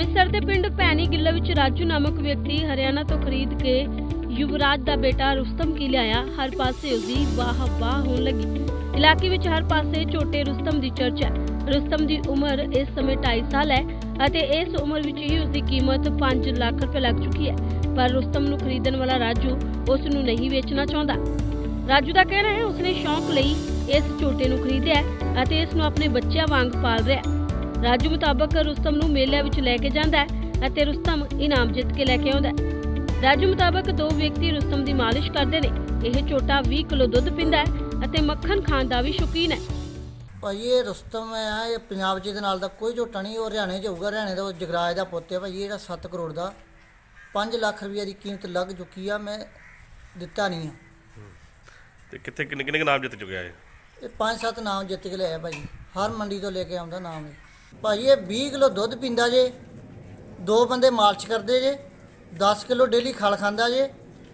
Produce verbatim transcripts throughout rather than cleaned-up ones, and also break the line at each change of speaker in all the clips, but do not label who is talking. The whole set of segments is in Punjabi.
ਅੰਮ੍ਰਿਤਸਰ ਦੇ ਪਿੰਡ ਭੈਣੀ ਗਿੱਲਾ ਵਿੱਚ ਰਾਜੂ ਨਾਮਕ ਵਿਅਕਤੀ ਹਰਿਆਣਾ ਤੋਂ ਖਰੀਦ ਕੇ युवराज ਦਾ ਬੇਟਾ रुस्तम की ਲਿਆਇਆ। हर पासे उसकी वाह वाह होने लगी। इलाके ਵਿੱਚ हर पासे छोटे रुस्तम ਦੀ ਚਰਚਾ है। रुस्तम ਦੀ ਉਮਰ ਇਸ ਸਮੇਂ ਢਾਈ ਸਾਲ ਹੈ ਅਤੇ ਇਸ ਉਮਰ ਵਿੱਚ ਹੀ ਉਸਦੀ ਕੀਮਤ ਪੰਜ ਲੱਖ ਰੁਪਏ ਲੱਗ ਚੁੱਕੀ ਹੈ। ਪਰ रुस्तम ਨੂੰ ਖਰੀਦਣ ਵਾਲਾ ਰਾਜੂ ਉਸ ਨੂੰ ਨਹੀਂ ਵੇਚਣਾ ਚਾਹੁੰਦਾ। ਰਾਜੂ ਦਾ ਕਹਿਣਾ ਹੈ ਉਸਨੇ ਸ਼ੌਂਕ ਲਈ ਇਸ ਝੋਟੇ ਨੂੰ ਖਰੀਦਿਆ ਅਤੇ ਇਸ ਨੂੰ ਆਪਣੇ ਬੱਚਿਆਂ ਵਾਂਗ ਪਾਲ ਰਿਹਾ ਹੈ। ਰਾਜੂ ਮੁਤਾਬਕ रुस्तम ਨੂੰ ਮੇਲਿਆਂ ਵਿੱਚ ਲੈ ਕੇ ਜਾਂਦਾ ਹੈ ਅਤੇ रुस्तम ਇਨਾਮ ਜਿੱਤ ਕੇ ਲੈ ਕੇ ਆਉਂਦਾ ਹੈ। ਰਾਜੂ ਮੁਤਾਬਕ ਦੋ ਵਿਅਕਤੀ रुस्तम ਦੀ ਮਾਲਿਸ਼ ਕਰਦੇ ਨੇ। ਇਹ ਝੋਟਾ ਵੀਹ ਕਿਲੋ ਦੁੱਧ ਪੀਂਦਾ ਹੈ ਅਤੇ ਮੱਖਣ ਖਾਣ ਦਾ ਵੀ ਸ਼ੌਕੀਨ ਹੈ।
ਭਾਈ ਇਹ रुस्तम ਹੈ ਇਹ ਪੰਜਾਬ 'ਚ ਇਹਦੇ ਨਾਲ ਦਾ ਕੋਈ ਝੋਟਾ ਨਹੀਂ। ਉਹ ਹਰਿਆਣੇ 'ਚ ਹੋਊਗਾ। ਹਰਿਆਣੇ ਦਾ ਜਗਰਾਜ ਦਾ ਪੁੱਤ ਹੈ ਭਾਈ। ਜਿਹੜਾ ਸੱਤ ਕਰੋੜ ਦਾ ਪੰਜ ਲੱਖ ਰੁਪਏ ਦੀ ਕੀਮਤ ਲੱਗ ਚੁੱਕੀ ਆ। ਮੈਂ ਦਿੱਤਾ ਨਹੀਂ ਆ।
ਤੇ ਕਿੱਥੇ ਕਿੰਨੇ ਕਿੰਨੇ ਨਾਮ ਜਿੱਤ ਚੁੱਕਿਆ ਹੈ?
ਇਹ ਪੰਜ ਸੱਤ ਨਾਮ ਜਿੱਤ ਕੇ ਲਿਆ ਭਾਈ। ਹਰ ਮੰਡੀ ਤੋਂ ਲੈ ਕੇ ਆਉਂਦਾ ਨਾਮ ਇਹ ਭਾਈ। ਇਹ ਵੀਹ ਕਿਲੋ ਦੁੱਧ ਪੀਂਦਾ ਜੇ। ਦੋ ਬੰਦੇ ਮਾਲਿਸ਼ ਕਰਦੇ ਜੇ। दस किलो डेली खल खांदा जे।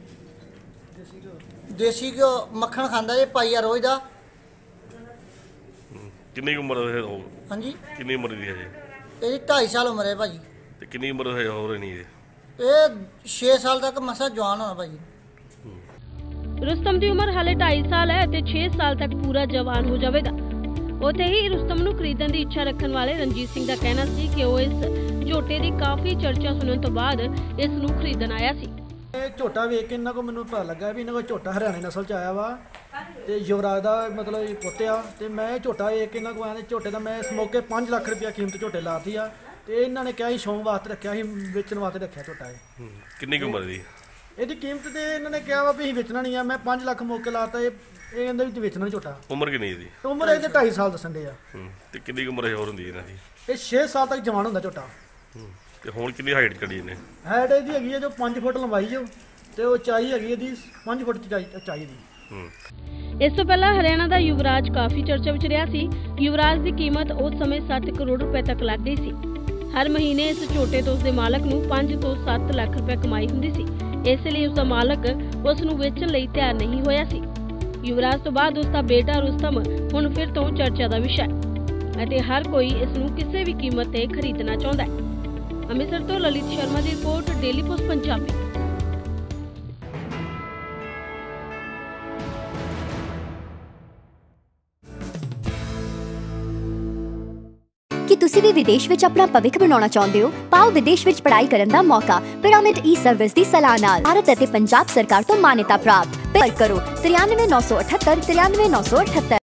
देसी घ्यो मक्खन खांदा जे पाईया रोज दा।
कितनी उम्र है?
हाँ जी
कितनी उम्र दी है जी?
ये ढाई साल उम्र है भाजी।
ते कितनी उम्र है हो रही है?
ये छे साल तक मसा जवान होना भाजी।
रुस्तम की उम्र हाले ढाई साल है ते छे साल तक पूरा जवान हो जाएगा। ਉੱਥੇ ਹੀ रुस्तम ਨੂੰ ਖਰੀਦਣ ਦੀ ਇੱਛਾ ਰੱਖਣ ਵਾਲੇ ਰਣਜੀਤ ਸਿੰਘ ਦਾ ਕਹਿਣਾ ਸੀ ਕਿ ਉਹ ਇਸ ਝੋਟੇ ਦੀ ਕਾਫੀ ਚਰਚਾ ਸੁਣਨ ਤੋਂ ਬਾਅਦ ਇਸ ਨੂੰ ਖਰੀਦਣ ਆਇਆ ਸੀ।
ਇਹ ਝੋਟਾ ਵੇਖ ਕੇ ਇਹਨਾਂ ਕੋ ਮੈਨੂੰ ਪਤਾ ਲੱਗਾ ਵੀ ਇਹਨਾਂ ਕੋਲ ਝੋਟਾ ਹਰਿਆਣੇ ਨਸਲ ਚ ਆਇਆ ਵਾ ਤੇ ਯੁਵਰਾਜ ਦਾ ਮਤਲਬ ਇਹ ਪੁੱਤ ਆ। ਤੇ ਮੈਂ ਇਹ ਝੋਟਾ ਵੇਖ ਕੇ ਇਹਨਾਂ ਕੋ ਆਇਆ ਝੋਟੇ ਦਾ ਮੈਂ ਇਸ ਮੌਕੇ ਪੰਜ ਲੱਖ ਰੁਪਇਆ ਕੀਮਤ ਝੋਟੇ ਲਾਤੀ ਆ। ਤੇ ਇਹਨਾਂ ਨੇ ਕਿਹਾ ਸੀ ਸ਼ੌਂਕ ਵਾਸਤੇ ਰੱਖਿਆ ਸੀ, ਵੇਚਣ ਵਾਸਤੇ ਰੱਖਿਆ ਝੋਟਾ ਇਹ।
ਕਿੰਨੀ ਉਮਰ ਦੀ
ਇਹਦੀ ਕੀਮਤ ਤੇ ਇਹਨਾਂ ਨੇ ਕਿਹਾ ਵਾ ਵੀ ਅਸੀਂ ਵੇਚਣਾ ਨਹੀਂ ਆ। ਮੈਂ ਪੰਜ ਲੱਖ ਮੌਕੇ ਲਾਤਾ। ਇਹ ਇਹ ਕਹਿੰਦੇ ਵੀ ਵੇਚਣਾ ਝੋਟਾ।
ਉਮਰ ਕਿੰਨੀ ਇਹਦੀ?
ਉਮਰ ਇਹਦੇ ਢਾਈ ਸਾਲ ਦੱਸਣ ਦੇ ਆ।
ਤੇ ਕਿੰਨੀ ਉਮਰ ਹੋਰ ਹੁੰਦੀ ਇਹਨਾਂ ਦੀ?
ਇਹ ਛੇ ਸਾਲ ਤੱਕ ਜਵਾਨ ਹੁੰਦਾ ਝੋਟਾ।
ਤੇ ਹੁਣ ਕਿੰਨੀ ਹਾਈਟ ਕੱਢੀ ਇਹਨੇ?
ਹਾਈਟ ਇਹਦੀ ਹੈਗੀ ਹੈ ਜੋ ਪੰਜ ਫੁੱਟ ਲੰਬਾਈ ਜੋ ਤੇ ਉਚਾਈ ਹੈਗੀ ਇਹਦੀ ਪੰਜ ਫੁੱਟ ਉਚਾਈ ਦੀ।
ਇਸ ਤੋਂ ਪਹਿਲਾਂ ਹਰਿਆਣਾ ਦਾ ਯੁਵਰਾਜ ਕਾਫੀ ਚਰਚਾ ਵਿੱਚ ਰਿਹਾ ਸੀ। ਯੁਵਰਾਜ ਦੀ ਕੀਮਤ ਉਸ ਸਮੇਂ ਸੱਤ ਕਰੋੜ ਰੁਪਏ ਤੱਕ ਲੱਗਦੀ ਸੀ। ਹਰ ਮਹੀਨੇ ਇਸ ਝੋਟੇ ਤੋਂ ਉਸਦੇ ਮਾਲਕ ਨੂੰ ਪੰਜ ਤੋਂ ਸੱਤ ਲੱਖ ਰੁਪਏ ਕਮਾਈ ਹੁੰਦੀ ਸੀ। ਇਸ ਲਈ ਉਸਦਾ ਮਾਲਕ ਉਸ ਨੂੰ ਵੇਚਣ ਲਈ ਤਿਆਰ ਨਹੀਂ ਹੋਇਆ ਸੀ। युवराज तो बाद उसका बेटा रुस्तम हुण फिर तो चर्चा का विषय है हर कोई इस नूं किसी भी कीमत ते खरीदना चाहता है। अमृतसर तो ललित शर्मा की रिपोर्ट, डेली पोस्ट पंजाबी।
कि तुसी भी विदेश विच अपना भविख बनाना चाहते हो? पाओ विदेश विच पढ़ाई करन दा मौका पिरामिड ई सर्विस दी सलाह नाल। भारत अते पंजाब सरकार तो मान्यता प्राप्त। पर करो तिरानवे नौ सौ अठहत्तर तिरानवे नौ सौ अठहत्तर।